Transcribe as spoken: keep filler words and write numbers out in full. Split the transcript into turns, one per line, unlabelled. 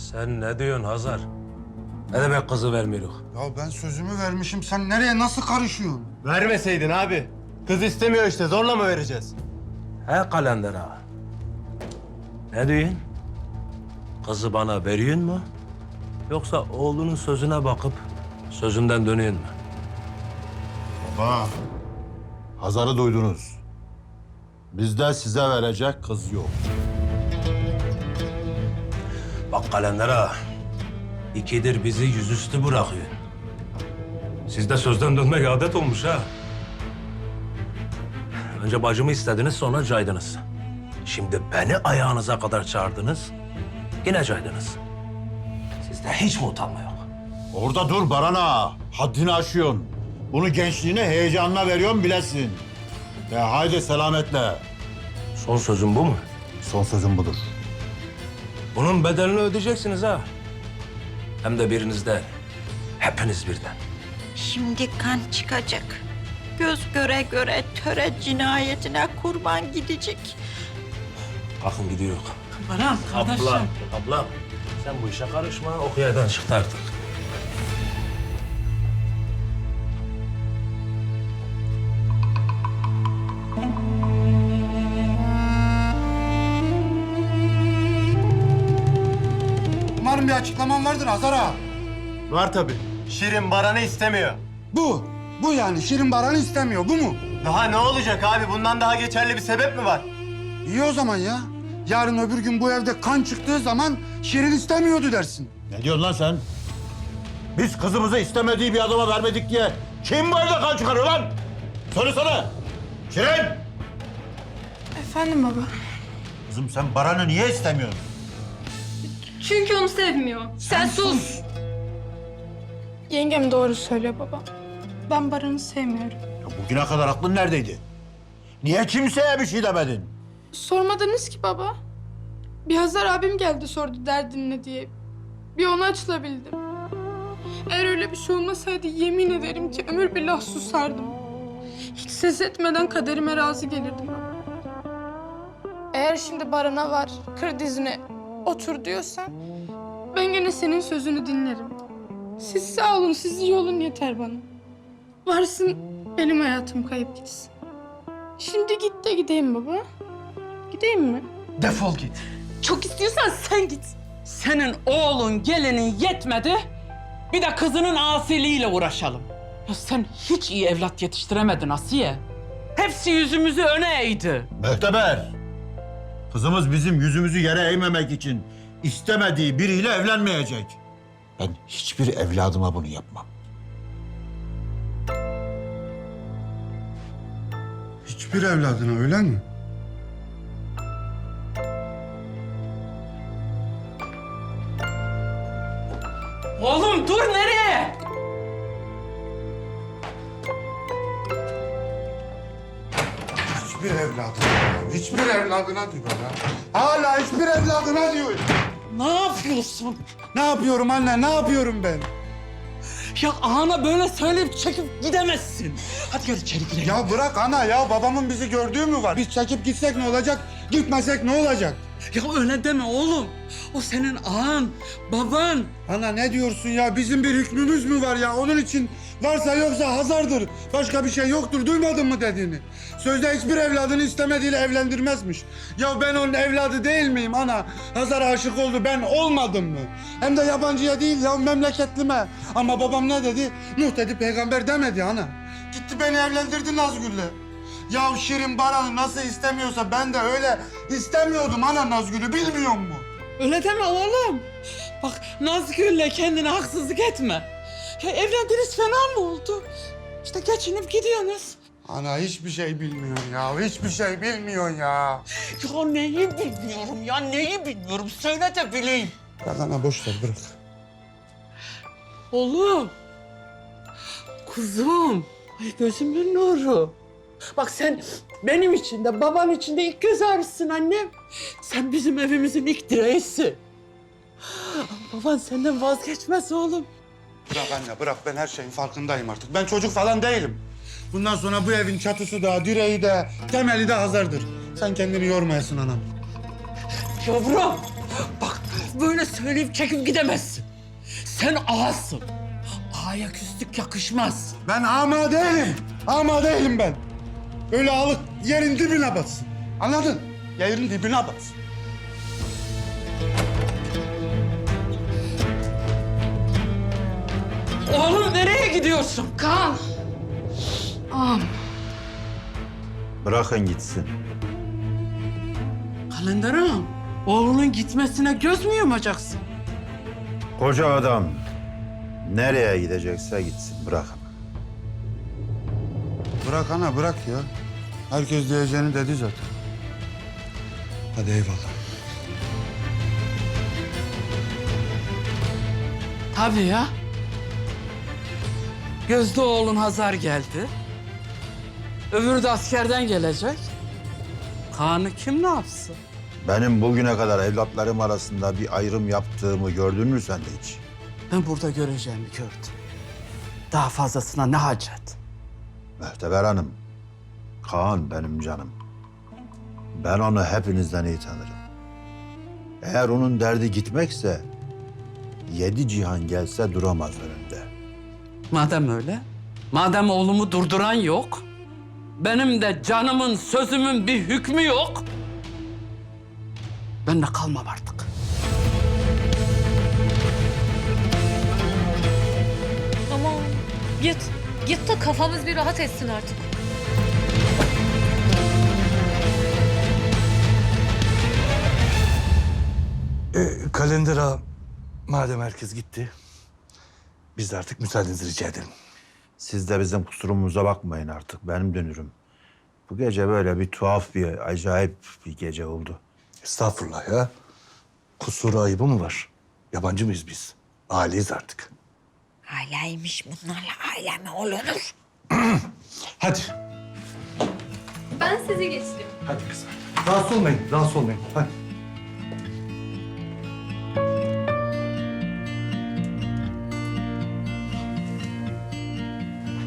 Sen ne diyorsun Hazar? Ne demek kızı vermiyoruz?
Ya ben sözümü vermişim. Sen nereye nasıl karışıyorsun?
Vermeseydin abi. Kız istemiyor işte. Zorla mı vereceğiz?
He kalender ağa. Ne diyorsun? Kızı bana veriyorsun mu? Yoksa oğlunun sözüne bakıp sözünden dönüyorsun mu?
Baba, Hazar'ı duydunuz. Bizde size verecek kız yok.
Bak kalender ağa. İkidir bizi yüzüstü bırakıyor. Sizde sözden dönmek adet olmuş ha. Önce bacımı istediniz, sonra caydınız. Şimdi beni ayağınıza kadar çağırdınız, yine caydınız. Sizde hiç mi utanma yok?
Orada dur Barana. Haddini aşıyorsun. Bunu gençliğine, heyecanına veriyorum bilesin. Ya haydi selametle.
Son sözüm bu mu?
Son sözüm budur.
Bunun bedelini ödeyeceksiniz ha. Hem de biriniz değil, hepiniz birden.
Şimdi kan çıkacak. Göz göre göre töre cinayetine kurban gidecek.
Kalkın gidiyor.
Baran kardeşim.
Abla, abla. Sen bu işe karışma, okuyadan çıktı artık.
Umarım bir açıklaman vardır Hazar ağa.
Var tabii. Şirin Baran'ı istemiyor.
Bu. Bu yani. Şirin Baran'ı istemiyor. Bu mu?
Daha ne olacak abi? Bundan daha geçerli bir sebep mi var?
İyi o zaman ya. Yarın öbür gün bu evde kan çıktığı zaman Şirin istemiyordu dersin.
Ne diyorsun lan sen? Biz kızımızı istemediği bir adama vermedik diye kim bu evde kan çıkarıyor lan? Söylesene. Şirin!
Efendim baba.
Kızım sen Baran'ı niye istemiyorsun?
Çünkü onu sevmiyor. Sen, sus. Yengem doğru söylüyor baba. Ben Baran'ı sevmiyorum.
Ya bugüne kadar aklın neredeydi? Niye kimseye bir şey demedin?
Sormadınız ki baba. Bir Hazar abim geldi sordu derdin ne diye. Bir ona açılabildim. Eğer öyle bir şey olmasaydı yemin ederim ki ömür billah susardım. Hiç ses etmeden kaderime razı gelirdim. Eğer şimdi Baran'a var, kır dizine, otur diyorsan... ben gene senin sözünü dinlerim. Siz sağ olun, siz iyi olun yeter bana. Varsın benim hayatım kayıp gitsin. Şimdi git de gideyim baba. Gideyim mi?
Defol git. Çok istiyorsan sen git. Senin oğlun gelinin yetmedi. Bir de kızının asiliyle uğraşalım. Ya sen hiç iyi evlat yetiştiremedin Asiye. Hepsi yüzümüzü öne eğdi.
Möhteber. Kızımız bizim yüzümüzü yere eğmemek için istemediği biriyle evlenmeyecek. Ben hiçbir evladıma bunu yapmam.
Hiçbir evladına öyle mi?
Oğlum dur nereye?
Hiçbir evladına. Hiçbir evladına diyor ya. Hala hiçbir evladına diyor.
Ne yapıyorsun?
Ne yapıyorum anne? Ne yapıyorum ben?
Ya ana böyle söyleyip çekip gidemezsin. Hadi gel içeri girelim.
Ya bırak ana ya. Babamın bizi gördüğü mü var? Biz çekip gitsek ne olacak? Gitmesek ne olacak?
Ya öyle deme oğlum. O senin ağan, baban.
Ana ne diyorsun ya? Bizim bir hükmümüz mü var ya? Onun için varsa yoksa Hazar'dır. Başka bir şey yoktur. Duymadın mı dediğini? Sözde hiçbir evladını istemediğiyle evlendirmezmiş. Ya ben onun evladı değil miyim ana? Hazar aşık oldu. Ben olmadım mı? Hem de yabancıya değil ya memleketlime. Ama babam ne dedi? Nuh dedi peygamber demedi ana. Gitti beni evlendirdi Nazgül'le. Ya Şirin Baran'ı nasıl istemiyorsa ben de öyle istemiyordum ana Nazgül'ü bilmiyor musun?
Öyle deme oğlum. Bak Nazgül'le kendine haksızlık etme. Ya evlendiniz fena mı oldu? İşte geçinip gidiyorsunuz.
Ana hiçbir şey bilmiyorsun ya. Hiçbir şey bilmiyorsun ya.
Ya neyi bilmiyorum ya neyi bilmiyorum söyle de bileyim.
Bırak ana boş ver bırak.
Oğlum. Kuzum. Ay gözümün nuru. Bak sen benim için de babam için de ilk göz ağrısın annem. Sen bizim evimizin ilk direğisin. Ama baban senden vazgeçmez oğlum.
Bırak anne bırak ben her şeyin farkındayım artık. Ben çocuk falan değilim. Bundan sonra bu evin çatısı da, direği de, temeli de Hazar'dır. Sen kendini yormayasın anam.
Yavrum bak laf böyle söyleyip çekip gidemezsin. Sen ağasın. Ağaya küslük yakışmaz.
Ben ama değilim. Ama değilim ben. Öyle alıp yerin dibine batsın. Anladın? Yerin dibine batsın.
Oğlum nereye gidiyorsun?
Kaan. Ağam.
Bırakın gitsin.
Kalender ağam, oğlunun gitmesine göz mü yumacaksın?
Koca adam nereye gidecekse gitsin, bırakın.
Bırak ana bırak ya. Herkes diyeceğini dedi zaten. Hadi eyvallah.
Tabii ya. Gözde oğlun Hazar geldi. Öbürü de askerden gelecek. Kaan'ı kim ne yapsın?
Benim bugüne kadar evlatlarım arasında bir ayrım yaptığımı gördün mü sen de hiç?
Ben burada göreceğimi gördüm. Daha fazlasına ne hacet?
Mühteber Hanım, Kaan benim canım. Ben onu hepinizden iyi tanırım. Eğer onun derdi gitmekse, yedi cihan gelse duramaz önünde.
Madem öyle, madem oğlumu durduran yok, benim de canımın, sözümün bir hükmü yok, ben de kalmam artık.
Aman git. Git de kafamız bir rahat etsin artık.
E, kalendera madem herkes gitti, biz de artık müsaadenizi rica edelim.
Siz de bizim kusurumuza bakmayın artık, benim dönürüm. Bu gece böyle bir tuhaf, bir acayip bir gece oldu.
Estağfurullah ya. Kusuru ayıbı mı var? Yabancı mıyız biz? Aileyiz artık.
Aileymiş bunlarla aile mi olunur?
Hadi.
Ben sizi geçireyim.
Hadi kızım. Rahatsız olmayın, rahatsız olmayın. Hadi.